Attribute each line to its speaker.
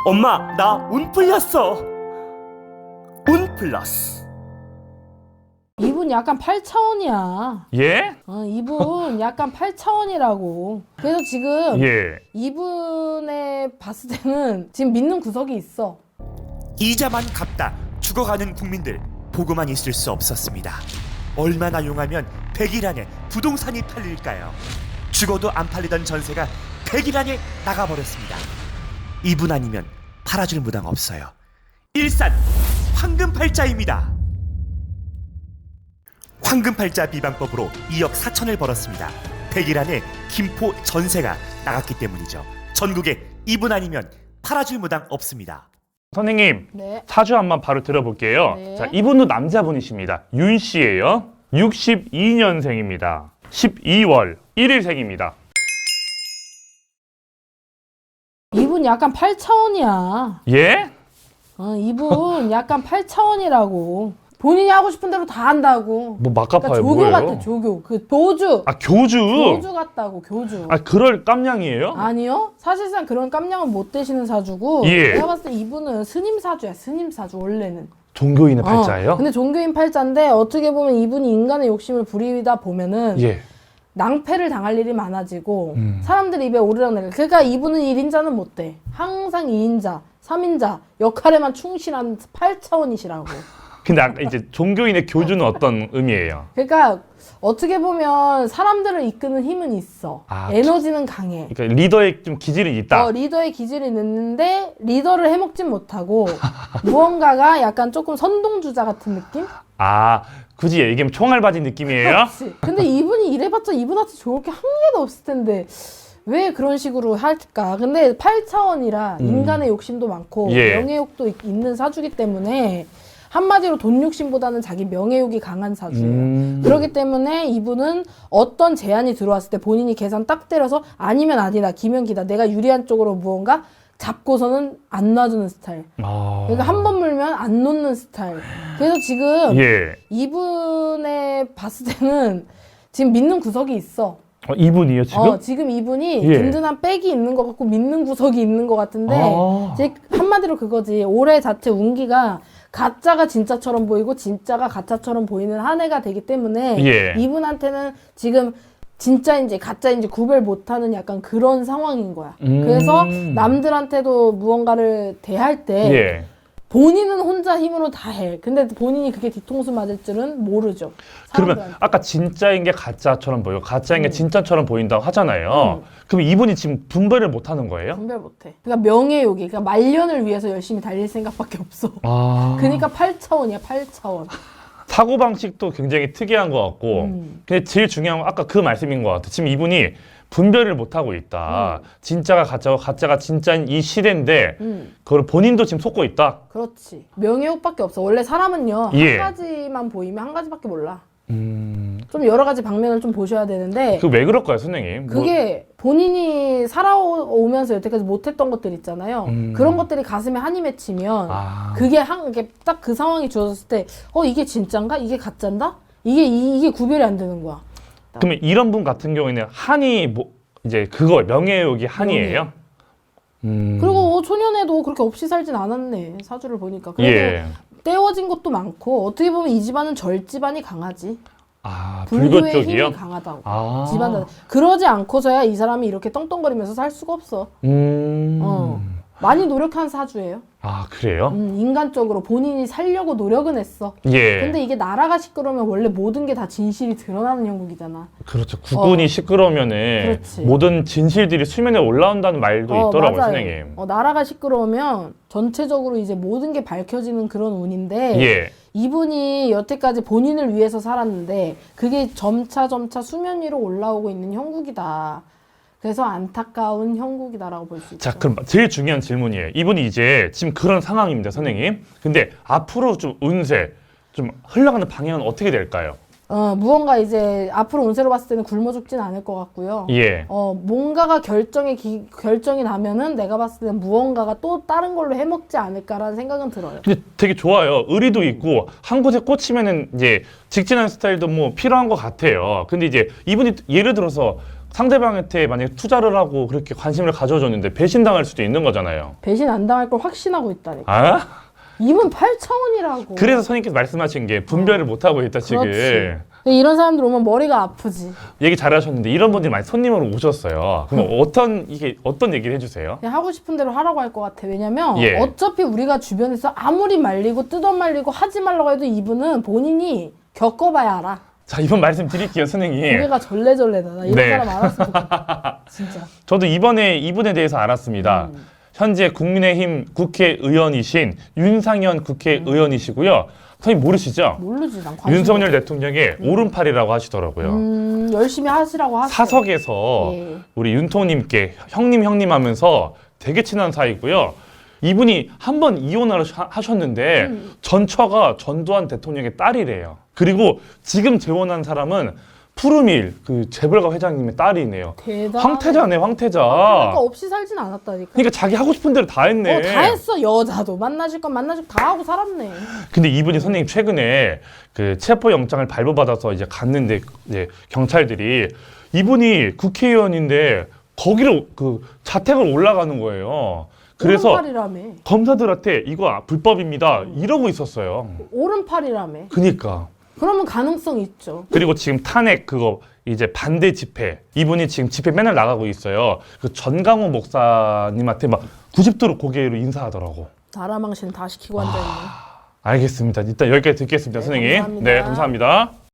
Speaker 1: 엄마, 나 운 풀렸어. 운 플러스.
Speaker 2: 이분 약간 8차원이야.
Speaker 3: 예?
Speaker 2: 이분 약간 8차원이라고. 그래서 지금
Speaker 3: 예.
Speaker 2: 이분의 봤을 때는 지금 믿는 구석이 있어.
Speaker 1: 이자만 갚다 죽어가는 국민들 보고만 있을 수 없었습니다. 얼마나 용하면 100일 안에 부동산이 팔릴까요? 죽어도 안 팔리던 전세가 100일 안에 나가버렸습니다. 이분 아니면 팔아줄 무당 없어요. 일산 황금팔자입니다. 황금팔자 비방법으로 2억 4천을 벌었습니다. 100일 안에 김포 전세가 나갔기 때문이죠. 전국에 이분 아니면 팔아줄 무당 없습니다.
Speaker 3: 선생님,
Speaker 2: 네.
Speaker 3: 사주 한번 바로 들어볼게요.
Speaker 2: 네.
Speaker 3: 자, 이분도 남자분이십니다. 윤 씨예요. 62년생입니다. 12월 1일생입니다.
Speaker 2: 이분 약간 8차원이야.
Speaker 3: 예?
Speaker 2: 이분 약간 8차원이라고. 본인이 하고 싶은 대로 다 한다고.
Speaker 3: 뭐
Speaker 2: 그러니까
Speaker 3: 막가파요,
Speaker 2: 조교
Speaker 3: 뭐예요?
Speaker 2: 같아, 조교. 그 교주.
Speaker 3: 아, 교주?
Speaker 2: 교주 같다고, 교주.
Speaker 3: 아, 그럴 깜냥이에요?
Speaker 2: 아니요. 사실상 그런 깜냥은 못 되시는 사주고.
Speaker 3: 예.
Speaker 2: 내가 봤을 때 이분은 스님 사주야, 스님 사주, 원래는.
Speaker 3: 종교인의 팔자예요?
Speaker 2: 근데 종교인 팔자인데 어떻게 보면 이분이 인간의 욕심을 부리다 보면은
Speaker 3: 예.
Speaker 2: 낭패를 당할 일이 많아지고 사람들 입에 오르락내리락. 그러니까 이분은 1인자는 못 돼. 항상 2인자, 3인자 역할에만 충실한 8차원이시라고.
Speaker 3: 근데 아까 이제 종교인의 교주는 어떤 의미예요?
Speaker 2: 그러니까 어떻게 보면 사람들을 이끄는 힘은 있어.
Speaker 3: 아,
Speaker 2: 에너지는 강해.
Speaker 3: 그러니까 리더의 좀 기질이 있다.
Speaker 2: 리더의 기질이 있는데 리더를 해먹진 못하고 무언가가 약간 조금 선동주자 같은 느낌?
Speaker 3: 아, 굳이 얘기하면 총알바지 느낌이에요?
Speaker 2: 그렇지. 근데 이분이 이래봤자 이분한테 좋을 게 한 개도 없을 텐데 왜 그런 식으로 할까? 근데 8차원이라 인간의 욕심도 많고
Speaker 3: 예.
Speaker 2: 명예욕도 있는 사주기 때문에 한마디로 돈 욕심보다는 자기 명예욕이 강한 사주예요. 그렇기 때문에 이분은 어떤 제안이 들어왔을 때 본인이 계산 딱 때려서 아니면 아니다, 기면 기다, 내가 유리한 쪽으로 무언가 잡고서는 안 놔주는 스타일.
Speaker 3: 아...
Speaker 2: 그러니까 한 번 물면 안 놓는 스타일. 그래서 지금
Speaker 3: 예.
Speaker 2: 이분의 봤을 때는 지금 믿는 구석이 있어.
Speaker 3: 이분이요, 지금?
Speaker 2: 지금 이분이
Speaker 3: 예.
Speaker 2: 든든한 백이 있는 것 같고 믿는 구석이 있는 것 같은데
Speaker 3: 아.
Speaker 2: 즉 한마디로 그거지. 올해 자체 운기가 가짜가 진짜처럼 보이고 진짜가 가짜처럼 보이는 한 해가 되기 때문에
Speaker 3: 예.
Speaker 2: 이분한테는 지금 진짜인지 가짜인지 구별 못하는 약간 그런 상황인 거야. 그래서 남들한테도 무언가를 대할 때
Speaker 3: 예.
Speaker 2: 본인은 혼자 힘으로 다 해. 근데 본인이 그게 뒤통수 맞을 줄은 모르죠.
Speaker 3: 그러면
Speaker 2: 사람들한테.
Speaker 3: 아까 진짜인 게 가짜처럼 보이고 가짜인 게 진짜처럼 보인다고 하잖아요. 그럼 이분이 지금 분별을 못 하는 거예요?
Speaker 2: 분별 못해. 그러니까 명예욕이, 그러니까 말년을 위해서 열심히 달릴 생각밖에 없어.
Speaker 3: 아...
Speaker 2: 그러니까 8차원이야, 8차원.
Speaker 3: 사고방식도 굉장히 특이한 것 같고 근데 제일 중요한 건 아까 그 말씀인 것 같아요. 지금 이분이 분별을 못하고 있다. 진짜가 가짜고 가짜가 진짜인 이 시대인데 그걸 본인도 지금 속고 있다.
Speaker 2: 그렇지. 명예욕밖에 없어. 원래 사람은요,
Speaker 3: 예.
Speaker 2: 한 가지만 보이면 한 가지밖에 몰라. 좀 여러 가지 방면을 좀 보셔야 되는데
Speaker 3: 그 왜 그럴까요, 선생님?
Speaker 2: 그게 본인이 살아오면서 여태까지 못했던 것들 있잖아요. 그런 것들이 가슴에 한이 맺히면
Speaker 3: 아...
Speaker 2: 그게 딱 그 상황이 주어졌을 때 이게 진짠가? 이게 가짠다? 이게 구별이 안 되는 거야.
Speaker 3: 그러면 이런 분 같은 경우에는 한이 뭐 이제 그거 명예욕이 한이에요?
Speaker 2: 그리고 초년에도 그렇게 없이 살진 않았네. 사주를 보니까. 그래도
Speaker 3: 예.
Speaker 2: 떼워진 것도 많고 어떻게 보면 이 집안은 절집안이 강하지.
Speaker 3: 아, 불교
Speaker 2: 불교의
Speaker 3: 쪽이요?
Speaker 2: 힘이 강하다고.
Speaker 3: 아.
Speaker 2: 집안 그러지 않고서야 이 사람이 이렇게 떵떵거리면서 살 수가 없어. 많이 노력한 사주예요.
Speaker 3: 아, 그래요?
Speaker 2: 인간적으로 본인이 살려고 노력은 했어.
Speaker 3: 예.
Speaker 2: 근데 이게 나라가 시끄러우면 원래 모든 게 다 진실이 드러나는 형국이잖아.
Speaker 3: 그렇죠. 국군이 시끄러우면은
Speaker 2: 그렇지.
Speaker 3: 모든 진실들이 수면에 올라온다는 말도 있더라고요,
Speaker 2: 맞아요.
Speaker 3: 선생님.
Speaker 2: 나라가 시끄러우면 전체적으로 이제 모든 게 밝혀지는 그런 운인데
Speaker 3: 예.
Speaker 2: 이분이 여태까지 본인을 위해서 살았는데 그게 점차 수면 위로 올라오고 있는 형국이다. 그래서 안타까운 형국이다라고 볼 수 있죠.
Speaker 3: 자, 그럼 제일 중요한 질문이에요. 이분이 이제 지금 그런 상황입니다, 선생님. 근데 앞으로 좀 운세, 좀 흘러가는 방향은 어떻게 될까요?
Speaker 2: 무언가 이제 앞으로 운세로 봤을 때는 굶어 죽진 않을 것 같고요.
Speaker 3: 예.
Speaker 2: 뭔가가 결정이 나면은 내가 봤을 때는 무언가가 또 다른 걸로 해먹지 않을까라는 생각은 들어요.
Speaker 3: 근데 되게 좋아요. 의리도 있고 한 곳에 꽂히면은 이제 직진하는 스타일도 뭐 필요한 것 같아요. 근데 이제 이분이 예를 들어서 상대방한테 만약에 투자를 하고 그렇게 관심을 가져줬는데 배신당할 수도 있는 거잖아요.
Speaker 2: 배신 안 당할 걸 확신하고 있다니까.
Speaker 3: 아?
Speaker 2: 이분 8차원이라고.
Speaker 3: 그래서 선생님께서 말씀하신 게 분별을 못하고 있다 지금.
Speaker 2: 그렇지. 근데 이런 사람들 오면 머리가 아프지.
Speaker 3: 얘기 잘하셨는데 이런 분들이 많이 손님으로 오셨어요. 그럼 어떤 얘기를 해주세요?
Speaker 2: 그냥 하고 싶은 대로 하라고 할 것 같아. 왜냐면
Speaker 3: 예.
Speaker 2: 어차피 우리가 주변에서 아무리 말리고 뜯어말리고 하지 말라고 해도 이분은 본인이 겪어봐야 알아.
Speaker 3: 자, 이번 말씀 드릴게요, 선생님.
Speaker 2: 고개가 절레절레다. 나 이런
Speaker 3: 네.
Speaker 2: 사람 알았으면 좋겠다. 진짜.
Speaker 3: 저도 이번에 이분에 대해서 알았습니다. 현재 국민의힘 국회의원이신 윤상현 국회의원이시고요. 선생님 모르시죠?
Speaker 2: 모르지. 난 관심
Speaker 3: 윤석열 대통령의 오른팔이라고 하시더라고요.
Speaker 2: 열심히 하시라고 하세요.
Speaker 3: 사석에서
Speaker 2: 예.
Speaker 3: 우리 윤통님께 형님 하면서 되게 친한 사이고요. 이분이 한 번 이혼을 하셨는데 전처가 전두환 대통령의 딸이래요. 그리고 지금 재혼한 사람은 푸르밀 그 재벌가 회장님의 딸이네요.
Speaker 2: 대단해.
Speaker 3: 황태자네, 황태자.
Speaker 2: 그러니까 없이 살진 않았다니까.
Speaker 3: 그러니까 자기 하고 싶은 대로 다 했네.
Speaker 2: 다 했어. 여자도 만나실 건 만나실 다 하고 살았네.
Speaker 3: 근데 이분이 선생님 최근에 그 체포 영장을 발부받아서 이제 갔는데 이제 경찰들이 이분이 국회의원인데 거기를 그 자택을 올라가는 거예요. 그래서
Speaker 2: 오른팔이라며.
Speaker 3: 검사들한테 이거 불법입니다 이러고 있었어요.
Speaker 2: 오른팔이라며.
Speaker 3: 그니까.
Speaker 2: 그러면 가능성 있죠.
Speaker 3: 그리고 지금 탄핵 그거 이제 반대 집회 이분이 지금 집회 맨날 나가고 있어요. 그 전강호 목사님한테 막 90도로 고개로 인사하더라고.
Speaker 2: 나라 망신 다 시키고 앉아있네.
Speaker 3: 알겠습니다. 일단 여기까지 듣겠습니다,
Speaker 2: 네,
Speaker 3: 선생님.
Speaker 2: 감사합니다.
Speaker 3: 네, 감사합니다.